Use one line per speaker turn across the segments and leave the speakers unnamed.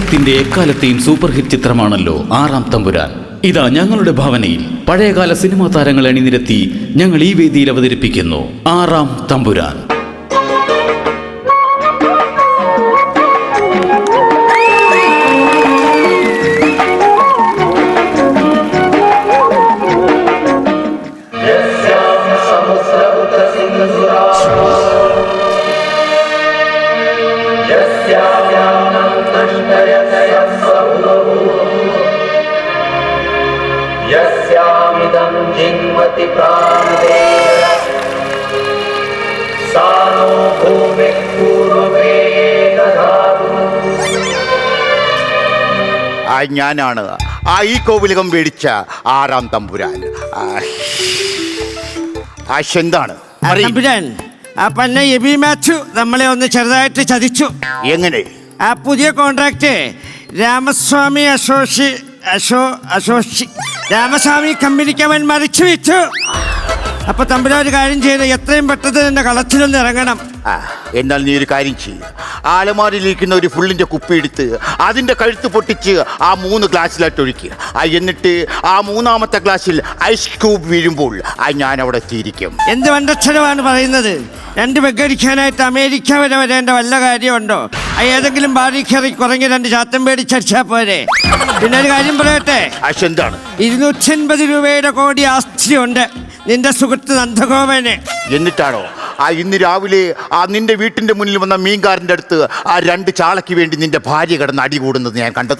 മലയാളത്തിന്റെ എക്കാലത്തെയും super hit ചിത്രമാണല്ലോ ആറാം തമ്പുരാൻ. ഇതാ ഞങ്ങളുടെ ഭാവനയിൽ പഴയകാല സിനിമാ താരങ്ങളെ അണിനിരത്തി ഞങ്ങൾ ഈ വേദിയിൽ അവതരിപ്പിക്കുന്നു ആറാം തമ്പുരാൻ.
ഞാനാണ് ഈ കോവിലകം മേടിച്ച ആറാം തമ്പുരാൻ. എന്താണ്
നമ്മളെ ഒന്ന് ചെറുതായിട്ട് ചതിച്ചു.
എങ്ങനെ?
ആ പുതിയ കോൺട്രാക്ട് രാമസ്വാമി രാമസ്വാമി കമ്പനിക്ക് അവൻ മറിച്ചു വെച്ചു. അപ്പൊ തമ്പുരാൻ ഒരു കാര്യം ചെയ്ത് എത്രയും പെട്ടെന്ന് എന്റെ കളത്തിലൊന്ന് ഇറങ്ങണം.
എന്നാൽ നീ ഒരു കാര്യം ചെയ്യും, ആലമാരിലിരിക്കുന്ന ഒരു ഫുള്ളിന്റെ കുപ്പി എടുത്ത് അതിന്റെ കഴുത്ത് പൊട്ടിച്ച് ആ 3 ഗ്ലാസ്സിലായിട്ട് ഒഴിക്കുക. എന്നിട്ട് ആ 3ാമത്തെ ഗ്ലാസ്സിൽ ഐസ് ക്യൂബ് വീഴുമ്പോൾ ഞാൻ അവിടെ എത്തിയിരിക്കും.
എന്ത് വണ്ടക്ഷരമാണ് പറയുന്നത്? 2 പെഗടിക്കാനായിട്ട് അമേരിക്ക വരെ വരേണ്ട വല്ല കാര്യമുണ്ടോ? ഏതെങ്കിലും ബാറി കയറി കുറഞ്ഞ 2 ചാത്തം പേടിച്ചടിച്ചാ പോരെ. പിന്നെ ഒരു കാര്യം പറയട്ടെ.
എന്താണ്?
280 രൂപയുടെ കോടി ആസ്തിയുണ്ട് നിന്റെ സുഹൃത്ത് നന്ദഗോപന്.
എന്നിട്ടാണോ ഇന്ന് രാവിലെ നിന്റെ വീട്ടിന്റെ മുന്നിൽ വന്ന മീൻകാരൻ്റെ അടുത്ത് 2 ചാളയ്ക്ക് വേണ്ടി നിന്റെ ഭാര്യ കിടന്ന് അടി കൂടുന്നത് ഞാൻ കണ്ടത്?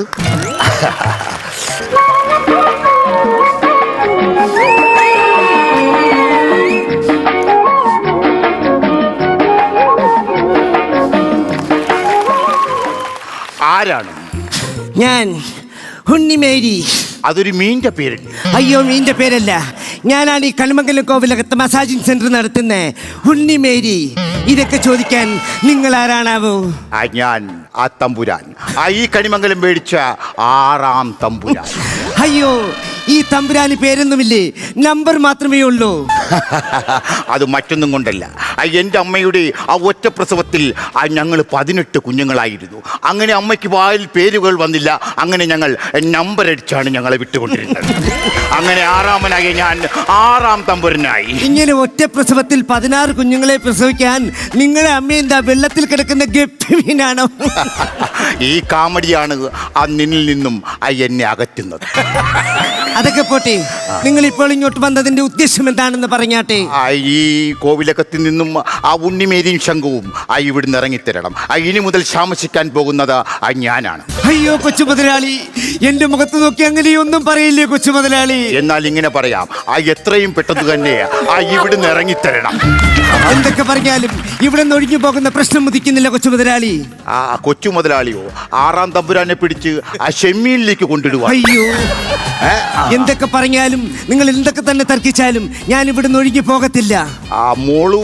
ആരാണ്?
ഞാൻ ഉണ്ണിമേരി.
അതൊരു മീൻ്റെ പേരല്ലേ?
അയ്യോ, മീൻ്റെ പേരല്ല. ഞാനാണ് ഈ കണിമംഗലം കോവിലകത്ത് മസാജിങ് സെന്റർ നടത്തുന്ന ഉണ്ണിമേരി. ഇതൊക്കെ ചോദിക്കാൻ നിങ്ങൾ ആരാണാവോ?
ഞാൻ ആ തമ്പുരാൻ, ഈ കണിമംഗലം മേടിച്ച ആറാം തമ്പുരാൻ.
അയ്യോ, ഈ തമ്പുരാന് പേരൊന്നുമില്ലേ, നമ്പർ മാത്രമേ ഉള്ളൂ.
അത് മറ്റൊന്നും കൊണ്ടല്ല, എൻ്റെ അമ്മയുടെ ഒറ്റ പ്രസവത്തിൽ ഞങ്ങൾ 18 കുഞ്ഞുങ്ങളായിരുന്നു. അങ്ങനെ അമ്മയ്ക്ക് വായിൽ പേരുകൾ വന്നില്ല. അങ്ങനെ ഞങ്ങൾ നമ്പർ അടിച്ചാണ് ഞങ്ങളെ വിട്ടുകൊണ്ടിരുന്നത്. അങ്ങനെ ആറാമനായി ഞാൻ ആറാം തമ്പുരനായി.
ഇങ്ങനെ ഒറ്റ പ്രസവത്തിൽ 16 കുഞ്ഞുങ്ങളെ പ്രസവിക്കാൻ നിങ്ങളെ അമ്മ എന്താ വെള്ളത്തിൽ കിടക്കുന്ന ഗപ്പിമീനാണോ?
ഈ കാമഡിയാണ് നിന്നിൽ നിന്നും എന്നെ അകറ്റുന്നത്.
അതൊക്കെ പോട്ടെ, നിങ്ങൾ ഇപ്പോൾ ഇങ്ങോട്ട് വന്നതിന്റെ ഉദ്ദേശം എന്താണെന്ന് പറഞ്ഞാട്ടെ.
ഈ കോവിലകത്തിൽ നിന്നും ഉണ്ണിമേരിയും ശംഖുവും ഇവിടുന്ന് ഇറങ്ങിത്തരണം. ഇനി മുതൽ ശാമസിക്കാൻ പോകുന്നത് ഞാനാണ്.
അയ്യോ കൊച്ചു മുതലാളി, എന്റെ മുഖത്ത് നോക്കി അങ്ങനെയൊന്നും പറയില്ലേ കൊച്ചു മുതലാളി.
എന്നാൽ ഇങ്ങനെ പറയാം, എത്രയും പെട്ടെന്ന് തന്നെ ഇവിടുന്ന് ഇറങ്ങിത്തരണം.
എന്തൊക്കെ പറഞ്ഞാലും ഇവിടെ നിന്ന് ഒഴിഞ്ഞു പോകുന്ന പ്രശ്നം ഉദിക്കുന്നില്ല കൊച്ചു മുതലാളി.
കൊച്ചു മുതലാളിയോ ആറാം തമ്പുരാനെ പിടിച്ച് ഷെമ്മീനിലേക്ക് കൊണ്ടിടുക.
അയ്യോ, എന്തൊക്കെ പറഞ്ഞാലും നിങ്ങൾ എന്തൊക്കെ തന്നെ തർക്കിച്ചാലും ഞാൻ ഇവിടുന്ന് ഒഴിഞ്ഞു പോകത്തില്ല.
മോളു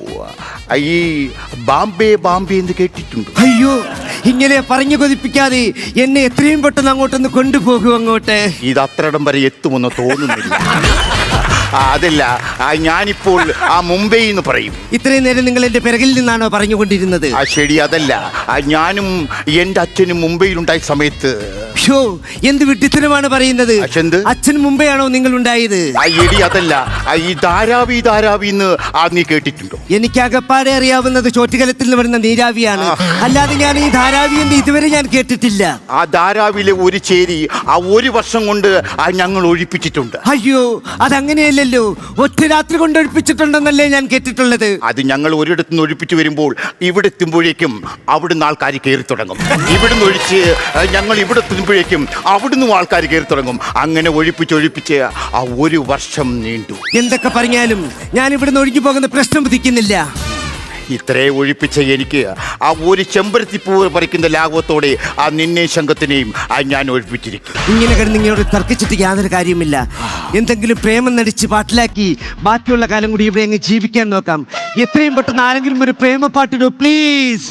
ഈ ബാംബെ ബാംബെ എന്ന് കേട്ടിട്ടുണ്ട്?
അയ്യോ, ഇങ്ങനെ പറഞ്ഞു കൊതിപ്പിക്കാതെ എന്നെ എത്രയും പെട്ടെന്ന് അങ്ങോട്ടൊന്ന് കൊണ്ടുപോകൂ. അങ്ങോട്ട്
ഇത് അത്രയിടം വരെ എത്തുമെന്ന് തോന്നുന്നില്ല. അതല്ല, ഞാനിപ്പോൾ മുംബൈ എന്ന് പറയും.
ഇത്രയും നേരം നിങ്ങൾ എന്റെ പിറകിൽ നിന്നാണോ പറഞ്ഞുകൊണ്ടിരുന്നത്?
ശരി, അതല്ല, ഞാനും എൻ്റെ അച്ഛനും മുംബൈയിലുണ്ടായ സമയത്ത്.
എന്ത് വിഡ്ഢിത്തരമാണ് പറയുന്നത്? അച്ഛൻ മുംബൈയാണോ നിങ്ങൾ ഉണ്ടായത്?
എടി അതല്ല, ഈ ധാരാവി ധാരാവി എന്ന് നീ കേട്ടിട്ടുണ്ടോ?
എനിക്ക് അകപ്പാടെ അറിയാവുന്നത് ചോറ്റുകലത്തിൽ നിന്ന് വരുന്ന നീരാവിയാണ്, അല്ലാതെ ഞാൻ ഈ ധാരാവി എന്ന് ഇതുവരെ ഞാൻ കേട്ടിട്ടില്ല.
ആ ധാരാവിയിലെ ഒരു ചേരി 1 വർഷം കൊണ്ട് ഞങ്ങൾ ഒഴിപ്പിച്ചിട്ടുണ്ട്.
അയ്യോ, അതങ്ങനെയല്ലല്ലോ, ഒറ്റ രാത്രി കൊണ്ട് ഒഴിപ്പിച്ചിട്ടുണ്ടെന്നല്ലേ ഞാൻ കേട്ടിട്ടുള്ളത്.
അത് ഞങ്ങൾ ഒരിടത്തുനിന്ന് ഒഴിപ്പിച്ചു വരുമ്പോൾ ഇവിടെ എത്തുമ്പോഴേക്കും അവിടുന്ന് ആൾക്കാർ കയറി തുടങ്ങും. ഇവിടുന്ന് ഒഴിച്ച് ഞങ്ങൾ ഇവിടെ എത്തുമ്പോഴേക്കും അവിടുന്ന് ആൾക്കാർ കയറി തുടങ്ങും. അങ്ങനെ ഒഴിപ്പിച്ച് 1 വർഷം നീണ്ടു.
എന്തൊക്കെ പറഞ്ഞാലും ഞാൻ ഇവിടുന്ന് ഒഴുകി പോകുന്ന പ്രശ്നം ഉദിക്കുന്നില്ല.
ഇത്രേ ഒഴിപ്പിച്ച എനിക്ക് ഒരു ചെമ്പരത്തിപ്പൂവ് പറിക്കുന്ന ലാഘവത്തോടെ നിന്നെ ശംഖത്തിനെയും ഞാൻ ഒഴിപ്പിച്ചിരിക്കും.
ഇങ്ങനെ കിടന്ന് ഇങ്ങോട്ട് തർക്കിച്ചിട്ട് യാതൊരു കാര്യമില്ല. എന്തെങ്കിലും പ്രേമം നടിച്ച് പാട്ടിലാക്കി ബാക്കിയുള്ള കാലം കൂടി ഇവിടെ അങ്ങ് ജീവിക്കാൻ നോക്കാം. എത്രയും പെട്ടെന്ന് ആരെങ്കിലും ഒരു പ്രേമ പാട്ടിടോ പ്ലീസ്.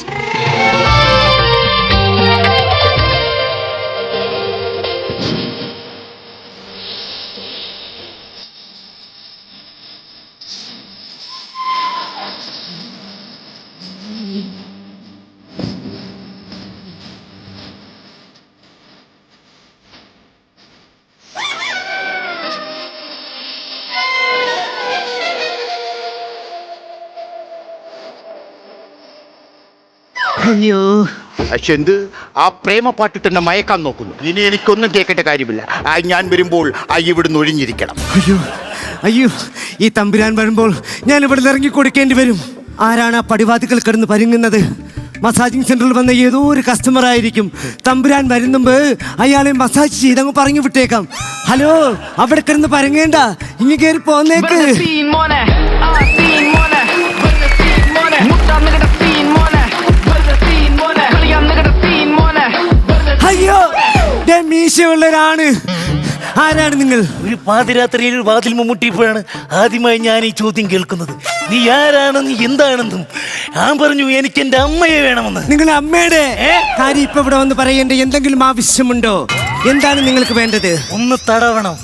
അയ്യോ
പക്ഷെ എന്ത് ആ പ്രേമ പാട്ടിട്ട് എന്നെ മയക്കാൻ നോക്കുന്നു. ഇനി എനിക്കൊന്നും കേൾക്കേണ്ട കാര്യമില്ല. ഞാൻ വരുമ്പോൾ ഇവിടുന്ന് ഒഴിഞ്ഞിരിക്കണം.
അയ്യോ അയ്യോ, ഈ തമ്പുരാൻ വരുമ്പോൾ ഞാൻ ഇവിടെ ഇറങ്ങി കൊടുക്കേണ്ടി വരും. ആരാണ് ആ പടിവാതിക്കൽ കിടന്ന് പരുങ്ങുന്നത്? മസാജിങ് സെന്ററിൽ വന്ന ഏതോ ഒരു കസ്റ്റമർ ആയിരിക്കും. തമ്പുരാൻ വരുന്നുമ്പ് അയാളെ മസാജ് ചെയ്തങ്ങ് പറഞ്ഞു വിട്ടേക്കാം. ഹലോ, അവിടെ കിടന്ന് പരങ്ങേണ്ട, ഇങ്ങ് കയറി പോന്നേക്ക്. അയ്യോ, മീശയുള്ളവരാണ്. ആരാണ് നിങ്ങൾ?
ഒരു പാതിരാത്രിയിൽ ഒരു വാതിൽ മുട്ടിയപ്പോഴാണ് ആദ്യമായി ഞാൻ ഈ ചോദ്യം കേൾക്കുന്നത്. നീ ആരാണെന്ന് എന്താണെന്നും ഞാൻ പറഞ്ഞു എനിക്ക് എന്റെ അമ്മയെ വേണമെന്ന്.
നിങ്ങളുടെ അമ്മയുടെ കാര്യം ഇപ്പൊ ഇവിടെ വന്ന് പറയേണ്ട എന്തെങ്കിലും ആവശ്യമുണ്ടോ? എന്താണ് നിങ്ങൾക്ക് വേണ്ടത്?
ഒന്ന് തടവണം.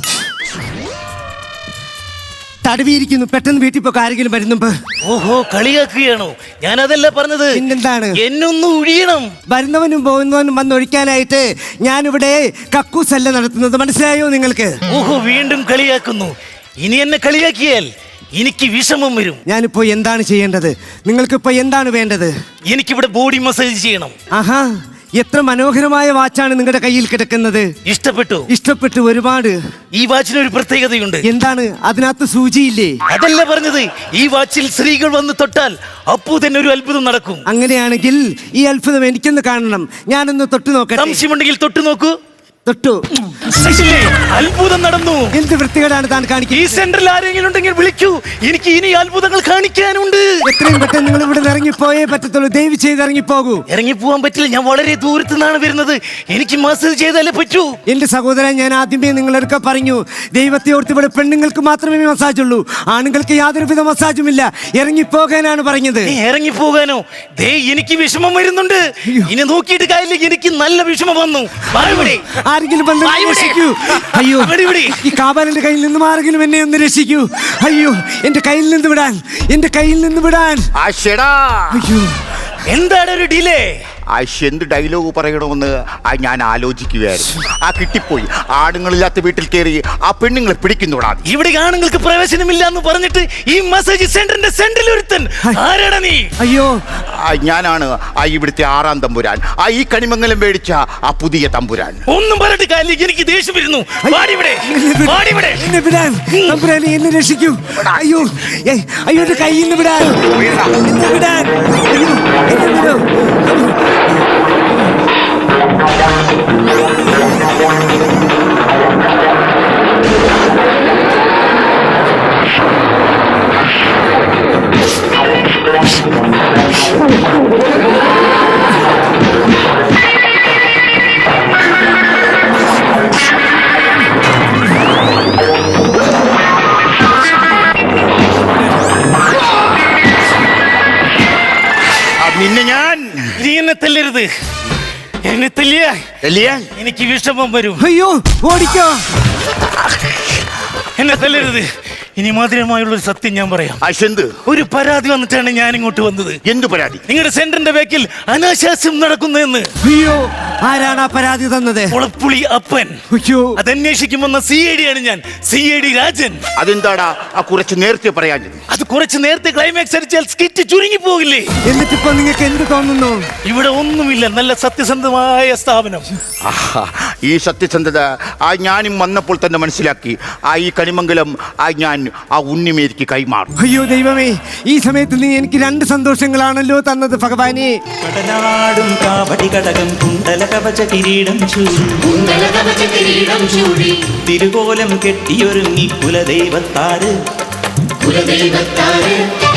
തടവിയിരിക്കുന്നു, പെട്ടെന്ന് വീട്ടിൽ പോയി ആരെങ്കിലും വരുന്നുമ്പോ.
ഓഹോ, കളിയാക്കുകയാണോ? ഞാൻ അതല്ല പറഞ്ഞത്.
പിന്നെന്താണ്?
എന്നൊന്ന് ഒഴിയണം.
വരുന്നവനും പോകുന്നവനും വന്ന് ഒഴിക്കാനായിട്ട് ഞാനിവിടെ കക്കൂസല്ല നടത്തുന്നത്, മനസ്സിലായോ നിങ്ങൾക്ക്?
ഓഹോ, വീണ്ടും കളിയാക്കുന്നു. ഇനി എന്നെ കളിയാക്കിയാൽ എനിക്ക് വിഷമം വരും.
ഞാനിപ്പോ എന്താണ് ചെയ്യേണ്ടത്? നിങ്ങൾക്കിപ്പോ എന്താണ് വേണ്ടത്?
എനിക്കിവിടെ ബോഡി മസാജ് ചെയ്യണം.
ആഹാ, എത്ര മനോഹരമായ വാച്ചാണ് നിങ്ങളുടെ കയ്യിൽ കിടക്കുന്നത്.
ഇഷ്ടപ്പെട്ടു?
ഇഷ്ടപ്പെട്ടു ഒരുപാട്.
ഈ വാച്ചിന് ഒരു പ്രത്യേകതയുണ്ട്.
എന്താണ്? അതിനകത്ത് സൂചിയില്ലേ?
അതല്ല പറഞ്ഞത്. ഈ വാച്ചിൽ സ്ത്രീകൾ വന്ന് തൊട്ടാൽ അപ്പോ തന്നെ ഒരു അത്ഭുതം നടക്കും.
അങ്ങനെയാണെങ്കിൽ ഈ അത്ഭുതം എനിക്കൊന്ന് കാണണം. ഞാനൊന്ന് തൊട്ടു നോക്കട്ടെ.
സംശയമുണ്ടെങ്കിൽ തൊട്ടു നോക്കൂ.
തൊട്ടു.
അത്ഭുതം നടന്നു.
എന്ത് വൃത്തികേടാണ് താൻ കാണിക്കുന്നത്?
ഈ സെന്ററിൽ ആരെങ്കിലും ഉണ്ടെങ്കിൽ വിളിക്കൂ. എനിക്ക് ഇനി അത്ഭുതങ്ങൾ കാണിക്കാനുണ്ട്.
എത്രയും പെട്ടെന്ന് നിങ്ങൾ ഇവിടെ ഇറങ്ങിപ്പോയേ പറ്റത്തുള്ളൂ. ദയവ് ചെയ്ത് ഇറങ്ങിപ്പോകൂ.
ഇറങ്ങിപ്പോവാൻ പറ്റില്ല, ഞാൻ വളരെ ദൂരത്തു നിന്നാണ് വരുന്നത്. എനിക്ക് മസാജ് ചെയ്താലേ പറ്റൂ.
എന്റെ സഹോദരൻ, ഞാൻ ആദ്യമേ നിങ്ങളൊക്കെ പറഞ്ഞു, ദൈവത്തെ ഓർത്ത് ഇവിടെ പെണ്ണുങ്ങൾക്ക് മാത്രമേ മസാജ് ഉള്ളൂ, ആണുങ്ങൾക്ക് യാതൊരുവിധ മസാജും ഇല്ല. ഇറങ്ങിപ്പോകാനാണ് പറഞ്ഞത്.
ഇറങ്ങിപ്പോകാനോ? ദേ, എനിക്ക് വിഷമം വരുന്നുണ്ട്. ഇനി നോക്കിയിട്ട് കാര്യമില്ല, എനിക്ക് നല്ല വിഷമം വന്നു.
ആരെങ്കിലും വന്ന് രക്ഷിക്കൂ. അയ്യോ, ഈ കാബാലിന്റെ കയ്യിൽ നിന്നും ആരെങ്കിലും എന്നെ ഒന്ന് രക്ഷിക്കൂ. അയ്യോ, എന്റെ കയ്യിൽ നിന്ന് വിടാൻ, എന്റെ കയ്യിൽ നിന്ന് വിടാൻ. അയ്യോ,
എന്താണ് ഒരു ഡിലേ?
എന്ത് ഡയലോഗ് പറയണമെന്ന് ഞാൻ ആലോചിക്കുകയായിരുന്നു. കിട്ടിപ്പോയി. ആണുങ്ങളില്ലാത്ത വീട്ടിൽ കയറി ആ പെണ്ണുങ്ങളെ പിടിക്കുന്നോടാ.
ഇവിടെ ആണുങ്ങൾക്ക് പ്രവേശനമില്ല എന്ന് പറഞ്ഞിട്ട് ഈ മസാജ് സെന്ററിന്റെ സെന്ററിൽ ഒരുത്തൻ. ആരാടാ നീ?
അയ്യോ,
ഞാനാണ് ഇവിടുത്തെ 6-ാം തമ്പുരാൻ. ഈ കണിമംഗലം മേടിച്ച ആ പുതിയ തമ്പുരാൻ.
ഒന്നും പറഞ്ഞിട്ട് കാര്യം, എനിക്ക് ദേഷ്യം വരുന്നു.
തമ്പുരാനെ എന്നെ രക്ഷിക്കൂ. അയ്യോ അയ്യോ, എന്റെ കയ്യിൽ നിന്ന് വിടാൻ, എന്നെ വിടാൻ. അയ്യോ, എന്നെ വിടൂ.
നിന്നെ ഞാൻ
നീ എന്നെ തല്ലരുത്. എന്നെ തല്ലിയാൽ എനിക്ക് വിഷമം വരും.
അയ്യോ, ഓടിക്കോ.
എന്നെ തല്ലരുത്. ഇനി മധുരമായുള്ളൊരു സത്യം ഞാൻ പറയാം. ഒരു പരാതി വന്നിട്ടാണ് ഞാൻ ഇങ്ങോട്ട് വന്നത്.
എന്ത് പരാതി?
നിങ്ങളുടെ സെന്ററിന്റെ ബാക്കിൽ അനാശാസ്യം നടക്കുന്നതെന്ന്.
അയ്യോ, ആരാണ് ആ പരാതി തന്നത്?
കുളപ്പുളി അപ്പൻ.
അയ്യോ,
അതന്വേഷിക്കുമെന്ന CID ആണ് ഞാൻ, CID രാജൻ.
അതെന്താടാ കുറച്ച് നേരത്തെ പറയാൻ?
അത് കുറച്ച് നേരത്തെ ക്ലൈമാക്സ് അടിച്ചാൽ സ്കിറ്റ് ചുരുങ്ങി പോകില്ലേ?
എന്നിട്ടിപ്പോ നിങ്ങൾക്ക് എന്ത് തോന്നുന്നു?
ഇവിടെ ഒന്നുമില്ല, നല്ല സത്യസന്ധമായ സ്ഥാപനം.
ഈ സത്യസന്ധത ഞാനും വന്നപ്പോൾ തന്നെ മനസ്സിലാക്കി. ഈ കണിമംഗലം ഞാൻ ഉണ്ണിമേരിക്ക് കൈമാറും.
അയ്യോ ദൈവമേ, ഈ സമയത്ത് നീ എനിക്ക് 2 സന്തോഷങ്ങളാണല്ലോ തന്നത് ഭഗവാനെ.
കടനാടും കാവടി കടകം കുണ്ടല കവച കിരീടം ചൂടി തിരുകോലം കെട്ടിയൊരുങ്ങി കുലദൈവത്താറ്